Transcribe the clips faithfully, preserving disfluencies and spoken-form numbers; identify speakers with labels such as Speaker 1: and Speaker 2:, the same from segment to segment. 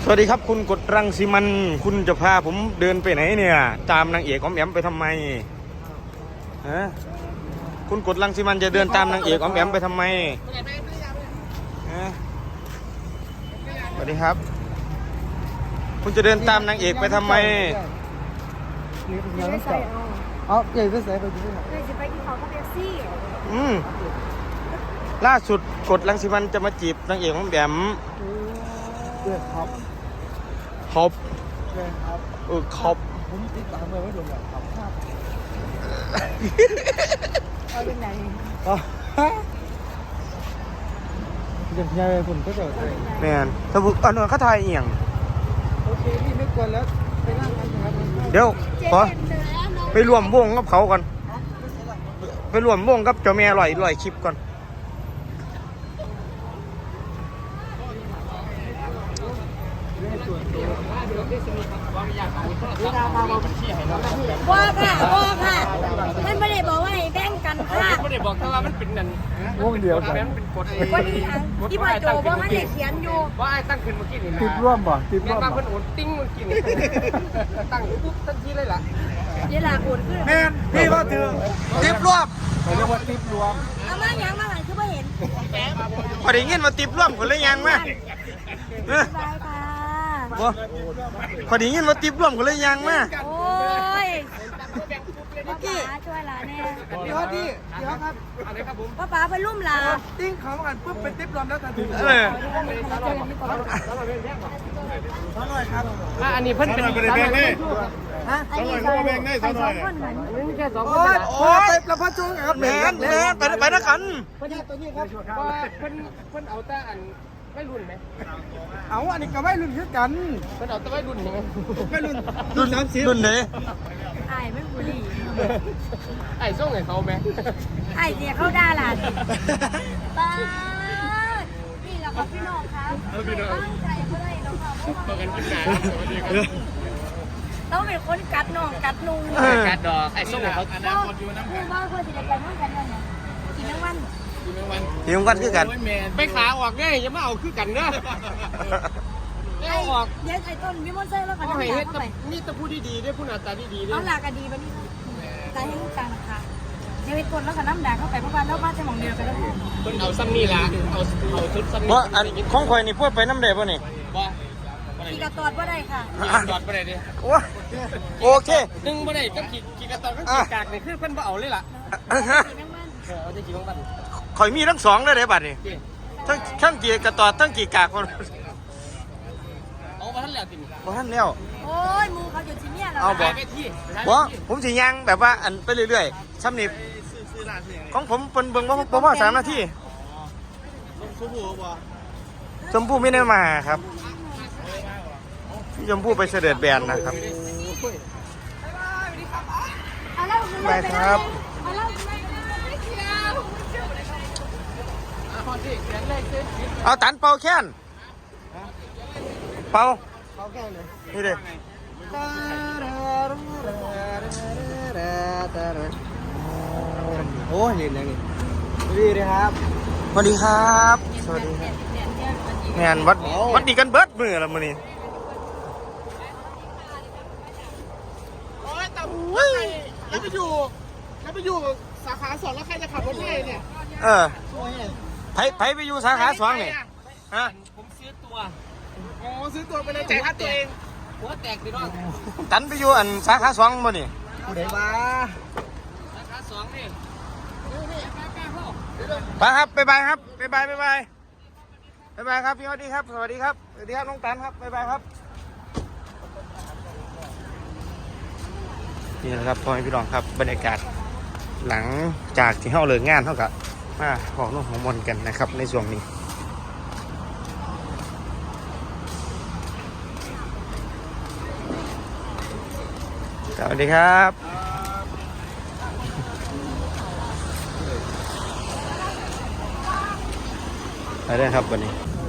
Speaker 1: สวัสดีครับคุณกดรังสีมันคุณจะพาผมเดินไปไหนเนี่ยตามนางเอกออมแอมไปทำไมฮะคุณกดรังสีมันจะเดินตามนางเอกออมแอมไปทำไมฮะสวัสดีครับคุณจะเดินตามนางเอกไปทำไม
Speaker 2: ไม่ใส่เอา
Speaker 3: เอาใหญ่ไปใส่ไปดูหน่อย
Speaker 2: เลยจะไปกินข้าวกับเอฟซี่
Speaker 1: อืมล่าสุดกดรังสีมันจะมาจีบนางเอกออมแอม
Speaker 3: เพื่อนครับ
Speaker 1: ครบ
Speaker 3: เพื่อนครับ
Speaker 1: เออครบ
Speaker 3: ผมติดตามเลยไม่โดนแบบครับครับ
Speaker 2: เอาเป็นไง
Speaker 3: อ๋ออย่างใหญ่ผมก็จะ
Speaker 1: แมนสมุกอันนั้นเขาถ่ายเอียง
Speaker 3: โอเคพี่ไม่กวนแล้วไปนั่งกันนะครับ
Speaker 1: เดี๋ยวขอไปรวมวงกับเขาก่อนไปรวมวงกับเจ้าแม่ลอยลอยคลิปก่อน
Speaker 2: ว่าค่ะว่าค่ะมันไม่ได้บอกว่าให้แบ่งกันค่ะ
Speaker 4: ไม่ได้บอกแต่ว่ามันเป็นนั่น
Speaker 3: วงเดียวกัน
Speaker 4: มันเป็นกฎ
Speaker 2: วันนี้ที่พ่อโจว่ามันได้เขียนอยู่
Speaker 4: ว่าไอ้ตั้งขึ้นเมื่อกี้นี่นะ
Speaker 3: ติดร่วมบ่ติด
Speaker 4: แม่
Speaker 3: ร่วม
Speaker 4: บางค
Speaker 3: บ่
Speaker 4: นโอดติ้งเมื่อกี้นี่ตั้งปุ๊บทันทีเลยล่ะ
Speaker 2: เดี๋ยวลาโอนขึ้น
Speaker 3: แม่พี่ว่าถึง
Speaker 1: ติบรวม
Speaker 3: เขาเรียกว่าติดรวม
Speaker 2: อามายังมาหันคือไม่เห็น
Speaker 1: พอได้ยินว่าติบรวมคนเลยยังมาเออบ
Speaker 2: ายค่ะ
Speaker 1: บ่พอได้ยินว่าติบรวมคนเลยยังมา
Speaker 2: โอ้ยป้าป๋าช่วยหลานแน่
Speaker 3: พี่ฮอตพี่พี่ฮอตครับ
Speaker 4: อะไรครับผม
Speaker 2: ป้าป๋าไปลุ่มหลา
Speaker 3: ติ้งเขากันปุ๊บเป็นติดรวมแล้วทันที
Speaker 1: เออ
Speaker 3: ขอหน่อยครับ
Speaker 4: อ่ะอันนี้เพิ่นเป็น
Speaker 3: ฮะ
Speaker 2: อันนี้ใส่ใส่สองคนเหมือน
Speaker 4: ไม่ใช่สองค
Speaker 3: โอ้
Speaker 4: น
Speaker 3: ยโอ้ยประพัดจุงครับ
Speaker 1: แมนแมนไปไปนะกัน
Speaker 3: พญาตัวนี้ครับ
Speaker 4: ว่าเพิ่นเพิ่นเอาแต่อันไม่รุ่นไหม
Speaker 3: เอาอันนี้ก็ไม่รุ่นคือกัน
Speaker 4: เพิ่นเอาแต่ไม่รุ่นใช่ไหม
Speaker 3: ไม่รุ่น
Speaker 1: รุ่นรุ่นไหน
Speaker 2: ไอ้ไม่บุหรี่
Speaker 4: ไอ้ส่งให้เขาไหม
Speaker 2: ไอ้เนี่ยเขาด่าหลานป้านี่แหละครับพี่น้องครับตั้งใจเขาเลยน้องค่ะ
Speaker 4: ต่อกันขึ้นหนาสวัสดีครับ
Speaker 2: ต้องเป็นคนกัดน้องกัดนุ่ง
Speaker 4: การดอกไอ้ส่งให้เขา
Speaker 2: ก็คือว่าเพื่อที่จะไปนู่นกันเนี่ยกินทั้งวัน
Speaker 1: ทีมกันคือกัน
Speaker 4: ไปขาออกง่ายอย่ามาเอาคือกันเด้อ
Speaker 2: ไอ้
Speaker 4: เอาออก
Speaker 2: เดี๋ยวไอ้ต้นมีมอนเซอร์แล้วกัน
Speaker 4: เอา
Speaker 2: น้ำ
Speaker 4: ให้
Speaker 2: ยา
Speaker 4: เฮ็ด
Speaker 2: เข้าไป
Speaker 4: นี่ตะพูดดีๆด้วยพูดหน้าตาดีๆด้ว
Speaker 2: เอา
Speaker 4: ย
Speaker 2: หลากกันดีบันนี้ตายให้ลูกกลางนะคะเดี๋ยวไอ้ต้นแล้วกันน้ำด่างเข้าไปเพราะว่าแล้วบ้านจะมองเดียวกันแล้ว
Speaker 4: เพิ่นเอาซ้ำนี่ล่ะเอาเอาชุดซ้ำนี่
Speaker 1: เพราะอันของข่อยนี่พูดไปน้ำเด็บป่ะนี่
Speaker 4: บ่
Speaker 2: ขี่กระตอดว่าได้ค่ะ
Speaker 4: จอดบ่ได้ดิ
Speaker 1: โอ้โอเค
Speaker 4: หนึ่งบ่ได้ก็ขี่ขี่กระต่ายก็ขี่กากนี่คือเพิ่นบ่เอาเลยล่ะ
Speaker 2: ขี่ทั้งวัน
Speaker 4: เออเอาจะขี่ของมัน
Speaker 1: ข่อยมีทั้งสองเลยเด้บัดนี่ทั้งทั้งกี่กระตอดทั้งกี่กากคน
Speaker 4: เอามาทันแล้วติ
Speaker 1: บ่ทันแล้ว
Speaker 2: โอ้ยมูเขาอยู่ที่เนี่ยแล้ว
Speaker 1: เอาบ่
Speaker 4: ไปที่
Speaker 1: บ่ผมสิยังแบบว่าอันไปเรื่อยๆซ้ำนี่ของผมเป็นเบิ่งบ่บ่พอสามนาทีชมพู่บ่ชมพู่ไม่ได้มาครับพี่ชมพู่ไปเสด็จแบนนะครับ
Speaker 2: เอาแล้ว
Speaker 1: ไปครับ
Speaker 2: เอาแล้ว
Speaker 1: เอาตันเป่าแค้นเป่า
Speaker 3: เขาแก้เลย
Speaker 1: นี่เด้
Speaker 3: โอ้ยเล่นอะไรนี่ดีเลยครับ
Speaker 1: สวัสดีครับสวัสดีครับแม่นวัดวัดดีกันเบิดมือละมื้อนี้
Speaker 4: โอ้ยแต่ว่าแล้วไปอยู่แล้วไปอยู่สาขาสองแล้วใครจะขับรถให้เนี่ย
Speaker 1: เออไผไผไปอยู่สาขาสองนี่ฮะ
Speaker 4: ผมซื้อตัวอ๋อซื้อตัวไปเลยจ่ายค่าตัวเองหัวแตกดิน้อง
Speaker 1: ตันไปอยู่อันสาขาสองบ่นี่
Speaker 3: ผู้ใดบ้า
Speaker 4: สาขาสองนี่นี่นี่แป๊บๆพ่อ
Speaker 1: ไปครับบ๊ายบายครับบ๊ายบายบ๊ายบายบ๊ายบายครับพี่สวัสดีครับสวัสดีครับสวัสดีครับน้องตันครับบ๊ายบายครับนี่แหละครับพ่อแม่พี่น้องครับบรรยากาศหลังจากที่เฮาเลิกงานเท่ากับมาบอกน้องของมนกันนะครับในช่วงนี้สวัสดีครับไปได้ครับวันนี้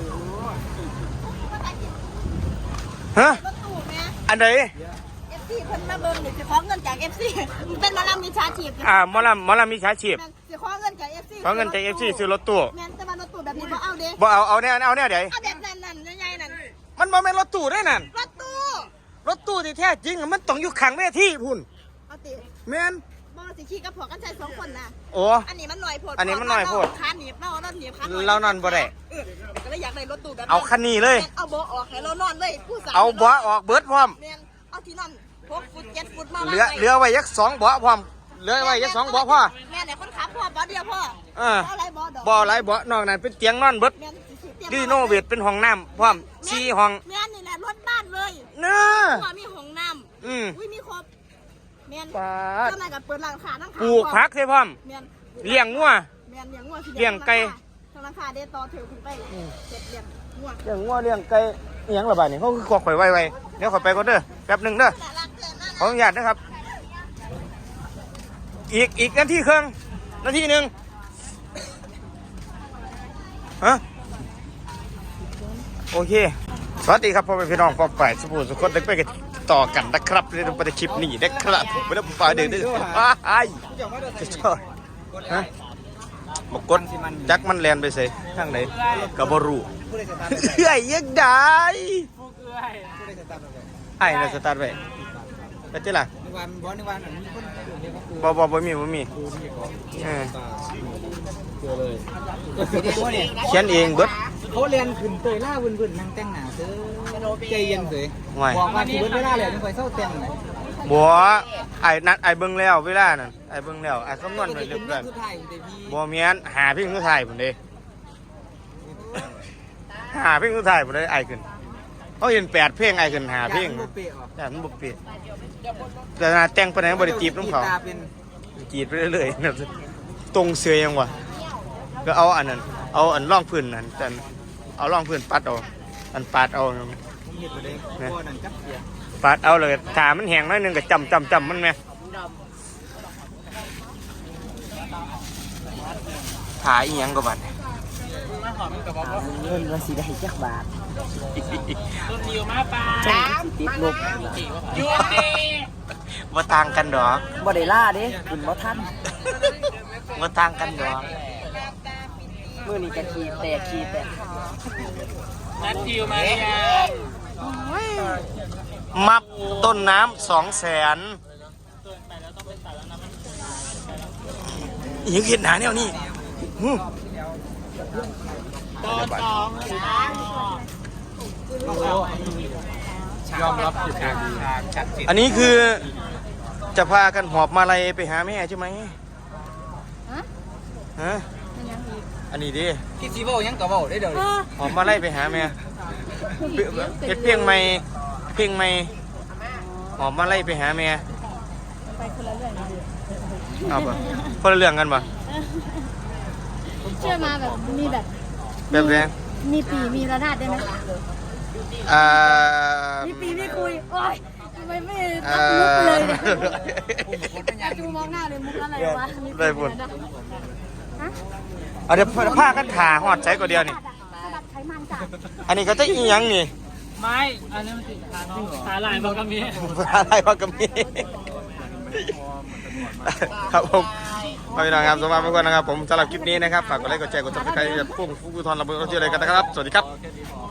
Speaker 1: ฮะอันไหน
Speaker 2: เอฟซีเพิ่นมาเบิ่งเดี๋ยวจะขอเงินจากเอฟซีมันเป็นหมาลำมีชาชีพ
Speaker 1: อ่าหมอลำหมอลำมีฉาชีพ
Speaker 2: จะขอเงินจากเอฟซี
Speaker 1: ขอเงินจากเอฟซีซื้อรถตู้
Speaker 2: แม่นแต่ว่ารถตู้แบบนี้บ่เอาเด้
Speaker 1: บ่เอาเอาแน่เอาแน่เดี๋ยว
Speaker 2: เอาแบบนั้นนั่นใหญ่ๆนั่น
Speaker 1: มันบ่แม่นรถตู้ได้นั่น
Speaker 2: รถตู้
Speaker 1: รถตู้ที่แท้จริงอะมันต้องอยู่ข้างเวทีพุ่น
Speaker 2: เอาติ
Speaker 1: แม่น
Speaker 2: บอสิขี่กับผัวกันใช้สองคนนะ
Speaker 1: โอ้
Speaker 2: อันนี้มันหน่อยโพด
Speaker 1: อันนี้มันหน่อยโพด
Speaker 2: ขาหนีบเราเราหนีบขา
Speaker 1: เรานอนบ่ได้
Speaker 2: เออก็เลยอยากได้รถตู้แบบ
Speaker 1: เอาคันนี้เลย
Speaker 2: เอาเบาะออกให้เรานอนเลยผู้สาว
Speaker 1: เอาเบาะออกเบิดพร้อม
Speaker 2: แม่นเอาที่นอนหกฟุตเจ็ดฟุตมา
Speaker 1: เหลือเหลือไว้ยักสองเบาะพร้อมเหลือไว้ยักสองเบาะพ่อ
Speaker 2: แม่เนี่ยคนขับพ่อเบาะเดียวพ่อ
Speaker 1: เออ
Speaker 2: เอาอะไรเบาะดอก
Speaker 1: บ่หลายเบาะนอกนั้นเป็นเตียงนอนเบิด
Speaker 2: แม่นสิเตยม
Speaker 1: ดีโนเวทเป็นห้องน้ำพร้อมสี่ห้อง
Speaker 2: แม่นนี่แหละรถบ้านเลย
Speaker 1: เน้อ
Speaker 2: พ่อมีห้องน้
Speaker 1: อืม
Speaker 2: ำอุ้ยมีครบแม่น
Speaker 1: ปาด
Speaker 2: เจ้านายกับเปิดร้านค้าทั้งขา
Speaker 1: ปลูกพักใช่พร้อม
Speaker 2: แม่น
Speaker 1: เลี้ยงงัว
Speaker 2: แม่นเลี้ยงงัวสิ
Speaker 1: เลี้ยงไก่
Speaker 2: ทางราคาเดต่อถือขึ้นไปเจ็ดเลี้ยงงัว
Speaker 1: เลี้ยงงัวเลี้ยงไก่อิหยังละบาดนี่เขาคือขอข่อยไว้ๆเดี๋ยวขอยไปก่อนเด้อแป๊บหนึงเด้อ
Speaker 2: แต่รักเกินนั่น
Speaker 1: ขออนุญาตนะครับ อีกอีกนาทีครึ่งนาทีหนึ่งฮะโอเค สวัสดีครับพ่อแม่พี่น้องปองไปสบู่สุขคนเด็กไปกันต่อกันนะครับในปฏิคลิปนี้นะครับผมไม่ได้ปล่อยเด็กด้วยไอ้จะชอบฮะมากดจักมันแลนไปใส่ทางไหนกับบรูเอ้ยยังได้ไอ้น่ะสตาร์ทไว้ไปเจ้าล่ะ
Speaker 3: ในวันบอสในวันมีคนเรียกว่าครู
Speaker 1: บ่บ่บ่มีบ่มี
Speaker 3: ครูที่ก่อน
Speaker 1: เออ
Speaker 3: เจอเลยสีแดงวะเนี่ย
Speaker 1: เขียนเองเบิด
Speaker 3: เขาเรียนขึ้นเตยล่าวุ่นวุ่นนั่งแต่งหน้าเด้อใจเย็นเสย
Speaker 1: ห่วย
Speaker 3: บอกว่าที่เบิดเวลาแล้วยังคอยเศร้าแต่งเลย
Speaker 1: บัวไอ้นัดไอ้เบิ่งแล้วเวลานั่นไอ้เบิ่งแล้วไอ้คำนวณไว้เรียบร้อย
Speaker 3: สุดท้ายเดี๋ยวพี่
Speaker 1: บ่แม่นหาเพิ่งสุดท้ายพุ่นเด้หาเพิ่งสุดท้ายพุ่นเด้ไอ้ขึ้นเขาเห็นแปดเพลงไอ้ขึ้นหาเพลง
Speaker 3: บุเปะออก
Speaker 1: แต่มันบ่เปลี่ยนแต่หน้าแต่งปานไหนบ่ได้จีบน้ำเขา
Speaker 3: ตาเป็น
Speaker 1: จีบไปเรื่อยๆนะตรงเสือยังวะก็เอาอันนั้นเอาอันร่องพื้นนั่นแต่เอาร่องพื้นปัดเอาอันปัดเอา
Speaker 3: เห็ดไปเลยพ่อนั่นจับเสีย
Speaker 1: ปัดเอาเลยถามันแห้งหน้อยหนึงก็จำจำจำมันไหมถ่ายอีหยังก็บัด
Speaker 3: เงินว่าสิได้จักบาท
Speaker 2: สาม
Speaker 3: ติดลบ
Speaker 1: ว่าต่างกันดอก
Speaker 3: บ่ได้ล่าเด้คุณบ่ทัน
Speaker 1: ว่าต่างกันดอก
Speaker 3: มื้อนี้ก็ขี้แตกขี้แตก
Speaker 1: มับต้นน้ำสองแสนอีกเห็นหนาแนวนี้หู
Speaker 3: ยอมรับผิดทางชัดเจน
Speaker 1: อันนี้คือจะพากันหอบมาลัยไปหาแม่ใช่ไหม
Speaker 2: ฮะ
Speaker 1: ฮะ
Speaker 2: มันยังอีก
Speaker 1: อันนี้ดิ
Speaker 3: คิดสิเว้าหยังก็เว้าได้เด้อ
Speaker 2: เออ
Speaker 1: หอบมาลัยไปหาแม่เฮ็ดเพียงไม่เพียงไม่หอบมาลัยไปหาแม่
Speaker 2: ไปคนละเรื่อง
Speaker 1: เอาปะคนละเรื่องกันปะ
Speaker 2: เชื่อมาแบบมีแบบ
Speaker 1: แบบแรง
Speaker 2: มีปีมีระนาดได้ไหม
Speaker 1: อ่า
Speaker 2: มีปีมีคุยโอ้ยทำไมไม่
Speaker 1: อ่า
Speaker 2: รับมุกเลยเนี่ยอาจูมองหน้าเลยมุกอะไรวะมีปี
Speaker 1: ได้บุญ
Speaker 2: นะฮะ
Speaker 1: เอาเดี๋ยวผ้ากันขาหอดใช้ก็เดียวนี่
Speaker 2: สลับไขมันจ้ะ
Speaker 1: อันนี้ก็จะอีหยังนี่
Speaker 4: ไม่ อันนี้มันติดขาน้องขาลายบอกกับมี
Speaker 1: อะไรวะก็มีครับผมพี่น้องครับสวัสดีทุกคนนะครับผมสำหรับคลิปนี้นะครับฝากกดไลค์กดแชร์กดติดตามให้กับพุ่งฟูกุทอนระเบิดเราเจออะไรกันนะครับสวัสดีครับ